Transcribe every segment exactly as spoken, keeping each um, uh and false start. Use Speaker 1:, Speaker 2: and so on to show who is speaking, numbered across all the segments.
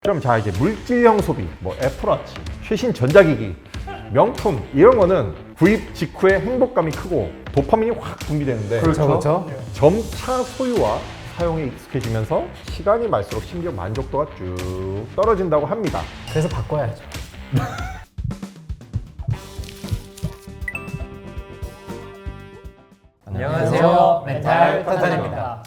Speaker 1: 그럼 자 이제 물질형 소비, 뭐 애플워치, 최신 전자기기, 명품 이런 거는 구입 직후에 행복감이 크고 도파민이 확 분비되는데
Speaker 2: 그렇죠, 그렇죠.
Speaker 1: 점차 소유와 사용에 익숙해지면서 시간이 갈수록 심지어 만족도가 쭉 떨어진다고 합니다.
Speaker 2: 그래서 바꿔야죠.
Speaker 3: 안녕하세요.
Speaker 2: 멘탈 탄탄입니다.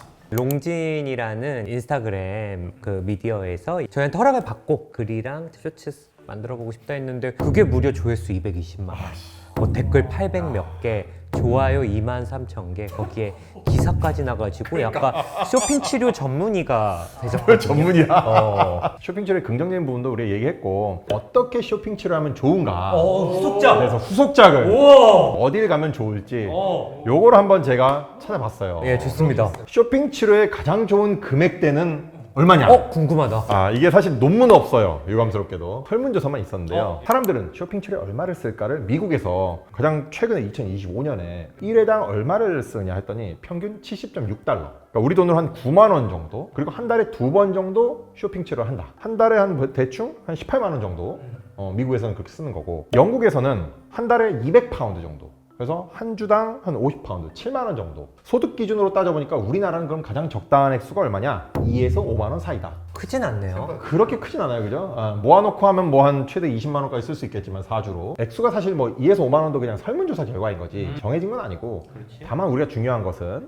Speaker 3: 롱진이라는 인스타그램 그 미디어에서 저희한테 허락을 받고 글이랑 쇼츠 만들어 보고 싶다 했는데 그게 무려 조회수 이백이십만 원, 뭐 댓글 팔백 몇 개, 좋아요 이만 삼천 개, 거기에 기사까지 나가지고 약간 쇼핑 치료 전문의가 되셨거든요.
Speaker 1: 전문이야.
Speaker 3: 어.
Speaker 1: 쇼핑 치료의 긍정적인 부분도 우리가 얘기했고 어떻게 쇼핑 치료를 하면 좋은가.
Speaker 3: 어, 후속작.
Speaker 1: 그래서 후속작을
Speaker 3: 우와.
Speaker 1: 어딜 가면 좋을지
Speaker 3: 어.
Speaker 1: 요거를 한번 제가 찾아봤어요.
Speaker 3: 예, 좋습니다.
Speaker 1: 쇼핑 치료의 가장 좋은 금액대는 얼마냐?
Speaker 3: 어, 궁금하다.
Speaker 1: 아 이게 사실 논문은 없어요. 유감스럽게도 설문조사만 있었는데요. 사람들은 쇼핑 치료에 얼마를 쓸까를 미국에서 가장 최근에 이천이십오 년에 일 회당 얼마를 쓰느냐 했더니 평균 칠십 점 육 달러. 그러니까 우리 돈으로 한 구만 원 정도. 그리고 한 달에 두 번 정도 쇼핑 치료를 한다. 한 달에 한 대충 한 십팔만 원 정도. 어, 미국에서는 그렇게 쓰는 거고 영국에서는 한 달에 이백 파운드 정도. 그래서 한 주당 한 오십 파운드, 칠만 원 정도. 소득 기준으로 따져보니까 우리나라는 그럼 가장 적당한 액수가 얼마냐? 이에서 오만 원 사이다.
Speaker 3: 크진 않네요.
Speaker 1: 그렇게 크진 않아요, 그죠? 아, 모아놓고 하면 뭐 한 최대 이십만 원까지 쓸 수 있겠지만 사주로 액수가 사실 뭐 이에서 오만 원도 그냥 설문조사 결과인 거지 정해진 건 아니고 다만 우리가 중요한 것은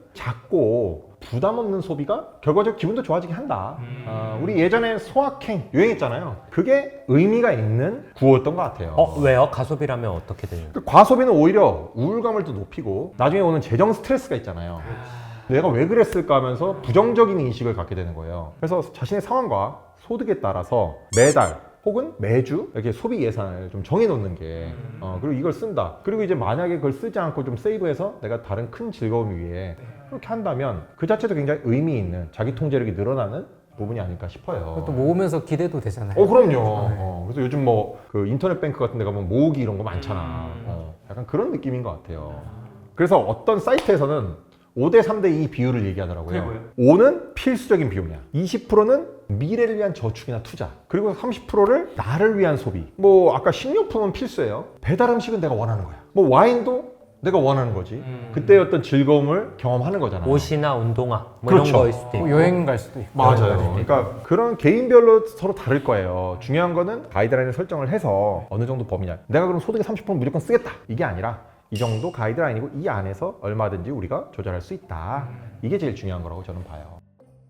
Speaker 1: 작고 부담 없는 소비가 결과적으로 기분도 좋아지게 한다. 아, 우리 예전에 소확행 유행했잖아요. 그게 의미가 있는 구호였던 것 같아요.
Speaker 3: 어, 왜요? 가소비라면 어떻게 되는 거예요?
Speaker 1: 그 과소비는 오히려 우울감을 또 높이고 나중에 오는 재정 스트레스가 있잖아요. 내가 왜 그랬을까 하면서 부정적인 인식을 갖게 되는 거예요. 그래서 자신의 상황과 소득에 따라서 매달 혹은 매주 이렇게 소비 예산을 좀 정해놓는 게 어, 그리고 이걸 쓴다. 그리고 이제 만약에 그걸 쓰지 않고 좀 세이브해서 내가 다른 큰 즐거움 위해 그렇게 한다면 그 자체도 굉장히 의미 있는 자기 통제력이 늘어나는 부분이 아닐까 싶어요.
Speaker 2: 또 모으면서 기대도 되잖아요.
Speaker 1: 어 그럼요. 어, 그래서 요즘 뭐 그 인터넷 뱅크 같은 데 가면 모으기 이런 거 많잖아. 어, 약간 그런 느낌인 것 같아요. 그래서 어떤 사이트에서는 오 대 삼 대 이 비율을 얘기하더라고요. 오는 필수적인 비용이야. 이십 퍼센트는 미래를 위한 저축이나 투자. 그리고 삼십 퍼센트를 나를 위한 소비. 뭐 아까 식료품은 필수예요. 배달 음식은 내가 원하는 거야. 뭐 와인도 내가 원하는 거지.
Speaker 3: 음.
Speaker 1: 그때 어떤 즐거움을 경험하는 거잖아.
Speaker 3: 옷이나 운동화 뭐
Speaker 1: 그렇죠.
Speaker 3: 이런 거일 수도 있고.
Speaker 2: 뭐 여행 갈 수도 있고.
Speaker 1: 맞아요. 그러니까 그런 개인별로 서로 다를 거예요. 중요한 거는 가이드라인을 설정을 해서 어느 정도 범위냐. 내가 그럼 소득의 삼십 퍼센트 무조건 쓰겠다. 이게 아니라 이 정도 가이드라인이고 이 안에서 얼마든지 우리가 조절할 수 있다. 이게 제일 중요한 거라고 저는 봐요.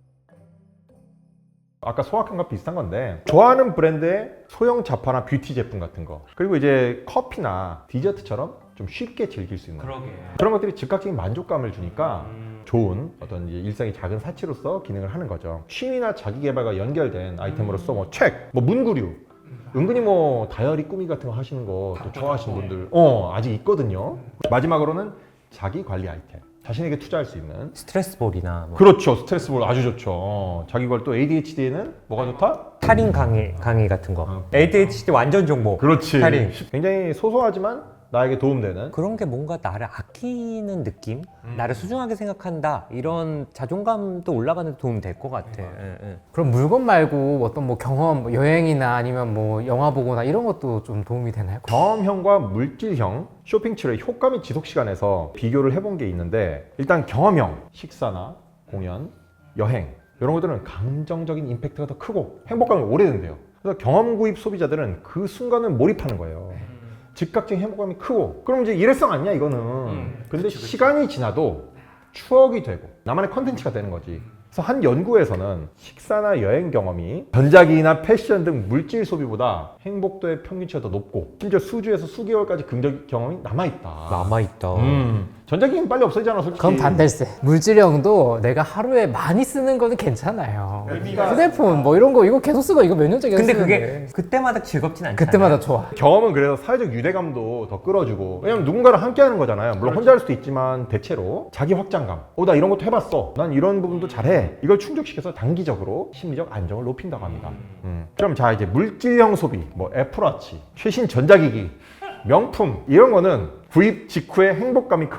Speaker 1: 아까 소확행과 비슷한 건데 좋아하는 브랜드의 소형 잡화나 뷰티 제품 같은 거 그리고 이제 커피나 디저트처럼 좀 쉽게 즐길 수 있는
Speaker 3: 그러게.
Speaker 1: 그런 것들이 즉각적인 만족감을 주니까 좋은 어떤 이제 일상의 작은 사치로서 기능을 하는 거죠. 취미나 자기개발과 연결된 아이템으로서 뭐 책, 뭐 문구류 은근히 뭐 다이어리 꾸미 같은 거 하시는 거 또 좋아하시는 분들 어 아직 있거든요. 마지막으로는 자기 관리 아이템 자신에게 투자할 수 있는
Speaker 3: 스트레스볼이나 뭐.
Speaker 1: 그렇죠. 스트레스볼 아주 좋죠. 어, 자기 걸 또 에이디에이치디에는 뭐가 좋다?
Speaker 3: 탈인 강의, 강의 같은 거.
Speaker 1: 어.
Speaker 3: 에이디에이치디 완전 정보.
Speaker 1: 그렇지.
Speaker 3: 탈인.
Speaker 1: 굉장히 소소하지만 나에게 도움되는
Speaker 3: 그런 게 뭔가 나를 아끼는 느낌? 나를 소중하게 생각한다. 이런 자존감도 올라가는 데 도움이 될 것 같아. 예, 예.
Speaker 2: 그럼 물건 말고 어떤 뭐 경험, 뭐 여행이나 아니면 뭐 영화 보거나 이런 것도 좀 도움이 되나요?
Speaker 1: 경험형과 물질형 쇼핑 치료의 효과 및 지속 시간에서 비교를 해본 게 있는데 일단 경험형 식사나 공연, 여행 이런 것들은 감정적인 임팩트가 더 크고 행복감이 오래된대요. 그래서 경험 구입 소비자들은 그 순간을 몰입하는 거예요. 즉각적인 행복감이 크고 그럼 이제 일회성 아니야 이거는.
Speaker 3: 음,
Speaker 1: 근데
Speaker 3: 그치, 그치.
Speaker 1: 시간이 지나도 추억이 되고 나만의 컨텐츠가 되는 거지. 그래서 한 연구에서는 식사나 여행 경험이 전자기기나 패션 등 물질 소비보다 행복도의 평균치가 더 높고 심지어 수주에서 수개월까지 긍정 경험이 남아있다.
Speaker 3: 남아있다.
Speaker 1: 음, 전자기기는 빨리 없어지잖아 솔직히.
Speaker 2: 그럼 반댈세. 물질형도 내가 하루에 많이 쓰는 거는 괜찮아요. 휴대폰 뭐 이런 거 이거 계속 쓰고 이거 몇 년째 계속
Speaker 3: 근데
Speaker 2: 쓰는데.
Speaker 3: 그게 그때마다 즐겁진 않잖아.
Speaker 2: 그때마다 좋아.
Speaker 1: 경험은 그래서 사회적 유대감도 더 끌어주고 왜냐면 누군가랑 함께 하는 거잖아요. 물론 혼자 할 수도 있지만 대체로 자기 확장감 어 나 이런 것도 해봤어 난 이런 부분도 잘해 이걸 충족시켜서 단기적으로 심리적 안정을 높인다고 합니다. 음. 그럼 자 이제 물질형 소비 뭐 애플워치 최신 전자기기 명품 이런 거는 구입 직후에 행복감이 크고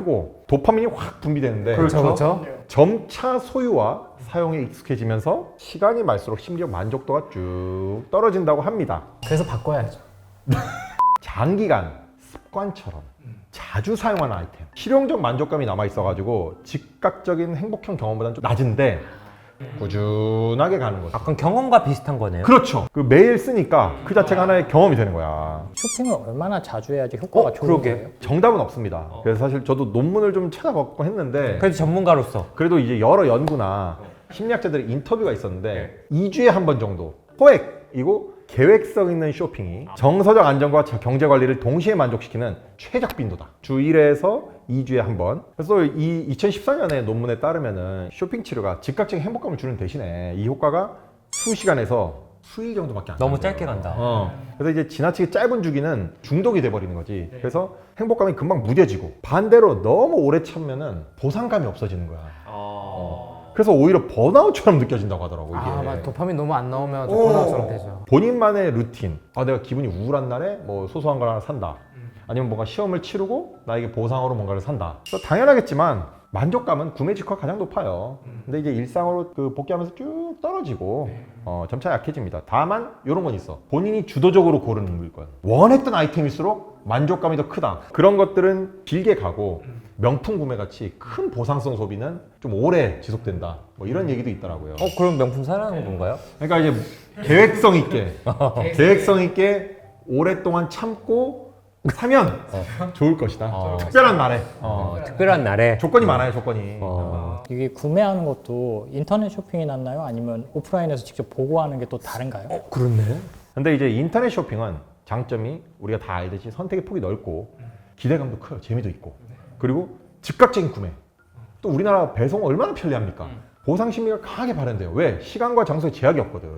Speaker 1: 도파민이 확 분비되는데
Speaker 2: 그렇죠, 그렇죠.
Speaker 1: 점차 소유와 사용에 익숙해지면서 시간이 갈수록 심리적 만족도가 쭉 떨어진다고 합니다.
Speaker 2: 그래서 바꿔야죠.
Speaker 1: 장기간 습관처럼 자주 사용하는 아이템, 실용적 만족감이 남아 있어가지고 즉각적인 행복형 경험보다는 좀 낮은데 꾸준하게 가는 거죠.
Speaker 3: 약간 경험과 비슷한 거네요.
Speaker 1: 그렇죠. 그 매일 쓰니까 그 자체가 하나의 경험이 되는 거야.
Speaker 4: 쇼핑을 얼마나 자주 해야지 효과가
Speaker 3: 어,
Speaker 4: 좋은
Speaker 3: 그러게.
Speaker 4: 거예요?
Speaker 1: 정답은 없습니다. 그래서 사실 저도 논문을 좀 찾아봤고 했는데
Speaker 3: 그래도 전문가로서
Speaker 1: 그래도 이제 여러 연구나 심리학자들의 인터뷰가 있었는데 이 주에 한 번 정도 소액이고 계획성 있는 쇼핑이 정서적 안정과 경제 관리를 동시에 만족시키는 최적 빈도다. 주 일 회에서 이 주에 한 번. 그래서 이 이천십사 년의 논문에 따르면은 쇼핑 치료가 즉각적인 행복감을 주는 대신에 이 효과가 수시간에서 수일 정도밖에 안
Speaker 3: 너무
Speaker 1: 나는
Speaker 3: 짧게
Speaker 1: 거예요.
Speaker 3: 간다.
Speaker 1: 어. 그래서 이제 지나치게 짧은 주기는 중독이 돼버리는 거지. 그래서 행복감이 금방 무뎌지고 반대로 너무 오래 참으면은 보상감이 없어지는 거야. 어. 그래서 오히려 번아웃처럼 느껴진다고 하더라고 이게.
Speaker 2: 아, 맞아. 도파민 너무 안 나오면
Speaker 1: 오.
Speaker 2: 번아웃처럼 되죠.
Speaker 1: 본인만의 루틴. 아, 내가 기분이 우울한 날에 뭐 소소한 걸 하나 산다. 아니면 뭔가 시험을 치르고 나에게 보상으로 뭔가를 산다. 그래서 당연하겠지만 만족감은 구매 직후가 가장 높아요. 근데 이제 일상으로 그 복귀하면서 쭉 떨어지고 어, 점차 약해집니다. 다만 이런 건 있어. 본인이 주도적으로 고르는 물건. 원했던 아이템일수록 만족감이 더 크다. 그런 것들은 길게 가고 명품 구매 같이 큰 보상성 소비는 좀 오래 지속된다. 뭐 이런 얘기도 있더라고요.
Speaker 3: 어 그럼 명품 사라는 건가요?
Speaker 1: 그러니까 이제 계획성 있게 계획성 있게 오랫동안 참고 사면 좋을 것이다.
Speaker 3: 어.
Speaker 1: 특별한 날에
Speaker 3: 어, 특별한 날에
Speaker 1: 조건이 많아요. 조건이.
Speaker 3: 어.
Speaker 4: 이게 구매하는 것도 인터넷 쇼핑이 낫나요? 아니면 오프라인에서 직접 보고 하는 게 또 다른가요?
Speaker 3: 그렇네.
Speaker 1: 근데 이제 인터넷 쇼핑은 장점이 우리가 다 알듯이 선택의 폭이 넓고 기대감도 커요. 재미도 있고. 그리고 즉각적인 구매. 또 우리나라 배송 얼마나 편리합니까? 보상 심리가 강하게 발현돼요. 왜? 시간과 장소에 제약이 없거든.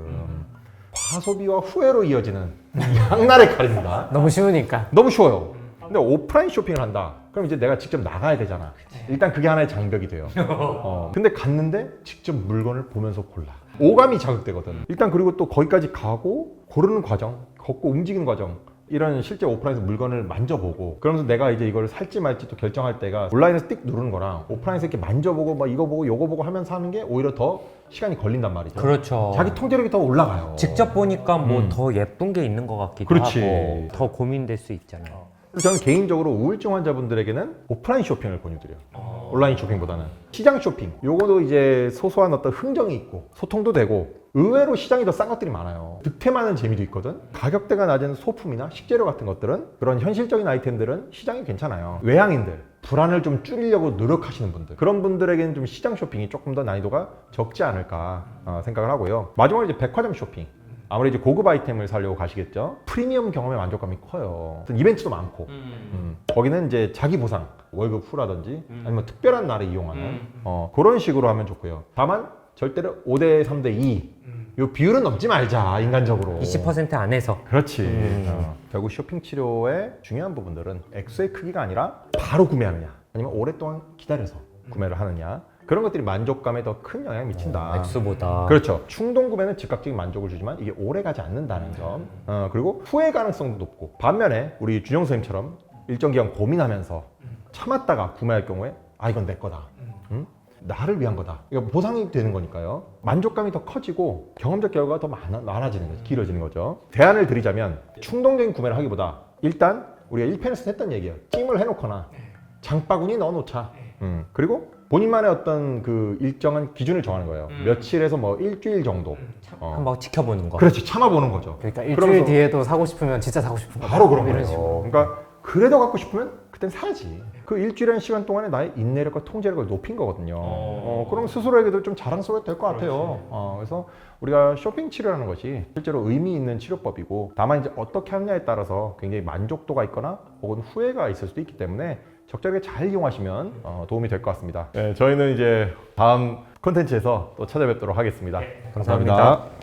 Speaker 1: 과소비와 후회로 이어지는 양날의 칼입니다.
Speaker 2: 너무 쉬우니까.
Speaker 1: 너무 쉬워요. 근데 오프라인 쇼핑을 한다. 그럼 이제 내가 직접 나가야 되잖아. 일단 그게 하나의 장벽이 돼요. 어. 근데 갔는데 직접 물건을 보면서 골라. 오감이 자극되거든. 일단 그리고 또 거기까지 가고 고르는 과정, 걷고 움직이는 과정. 이런 실제 오프라인에서 물건을 만져보고 그러면서 내가 이제 이걸 살지 말지 또 결정할 때가 온라인에서 띡 누르는 거랑 오프라인에서 이렇게 만져보고 막 이거 보고 요거 보고 하면서 하는 게 오히려 더 시간이 걸린단 말이죠.
Speaker 3: 그렇죠.
Speaker 1: 자기 통제력이 더 올라가요.
Speaker 3: 직접 보니까 뭐
Speaker 1: 음.
Speaker 3: 더 예쁜 게 있는 것 같기도
Speaker 1: 그렇지.
Speaker 3: 하고 더 고민될 수 있잖아요.
Speaker 1: 그래서 저는 개인적으로 우울증 환자분들에게는 오프라인 쇼핑을 권유드려요. 온라인 쇼핑보다는. 시장 쇼핑. 요거도 이제 소소한 어떤 흥정이 있고 소통도 되고 의외로 시장이 더 싼 것들이 많아요. 득템하는 재미도 있거든. 가격대가 낮은 소품이나 식재료 같은 것들은 그런 현실적인 아이템들은 시장이 괜찮아요. 외향인들, 불안을 좀 줄이려고 노력하시는 분들 그런 분들에게는 좀 시장 쇼핑이 조금 더 난이도가 적지 않을까 어, 생각을 하고요. 마지막으로 이제 백화점 쇼핑. 아무래도 이제 고급 아이템을 사려고 가시겠죠. 프리미엄 경험의 만족감이 커요. 이벤트도 많고 음. 거기는 이제 자기 보상, 월급 후라든지 아니면 특별한 날에 이용하는 어, 그런 식으로 하면 좋고요. 다만 절대로 오 대 삼 대 이 요 비율은 넘지 말자, 인간적으로.
Speaker 3: 이십 퍼센트 안에서.
Speaker 1: 그렇지.
Speaker 3: 음.
Speaker 1: 어, 결국 쇼핑 치료의 중요한 부분들은 액수의 크기가 아니라 바로 구매하느냐 아니면 오랫동안 기다려서 구매를 하느냐 그런 것들이 만족감에 더 큰 영향을 미친다.
Speaker 3: 액수보다.
Speaker 1: 그렇죠. 충동 구매는 즉각적인 만족을 주지만 이게 오래 가지 않는다는 점. 어, 그리고 후회 가능성도 높고 반면에 우리 준영 선생님처럼 일정 기간 고민하면서 참았다가 구매할 경우에 아 이건 내 거다. 응? 나를 위한 거다. 이거 보상이 되는 거니까요. 만족감이 더 커지고 경험적 결과가 더 많아, 많아지는 거죠. 길어지는 거죠. 대안을 드리자면 충동적인 구매를 하기보다 일단 우리가 일 편에서 했던 얘기예요. 찜을 해놓거나 장바구니 넣어놓자. 음. 그리고 본인만의 어떤 그 일정한 기준을 정하는 거예요.
Speaker 3: 음.
Speaker 1: 며칠에서 뭐 일주일 정도. 어.
Speaker 3: 한번 지켜보는 거.
Speaker 1: 그렇지. 참아보는 거죠.
Speaker 2: 그러니까 일주일
Speaker 1: 그러면서
Speaker 2: 뒤에도 사고 싶으면 진짜 사고 싶은 거.
Speaker 1: 바로 그런
Speaker 2: 이런
Speaker 1: 거예요.
Speaker 2: 식으로.
Speaker 1: 그러니까 그래도 갖고 싶으면 그땐 사야지. 그 일주일이라는 시간 동안에 나의 인내력과 통제력을 높인 거거든요. 어, 그럼 스스로에게도 좀 자랑스러워도 될 것 같아요. 어, 그래서 우리가 쇼핑 치료라는 것이 실제로 의미 있는 치료법이고 다만 이제 어떻게 하느냐에 따라서 굉장히 만족도가 있거나 혹은 후회가 있을 수도 있기 때문에 적절하게 잘 이용하시면 어, 도움이 될 것 같습니다. 네, 저희는 이제 다음 콘텐츠에서 또 찾아뵙도록 하겠습니다.
Speaker 3: 감사합니다.
Speaker 1: 감사합니다.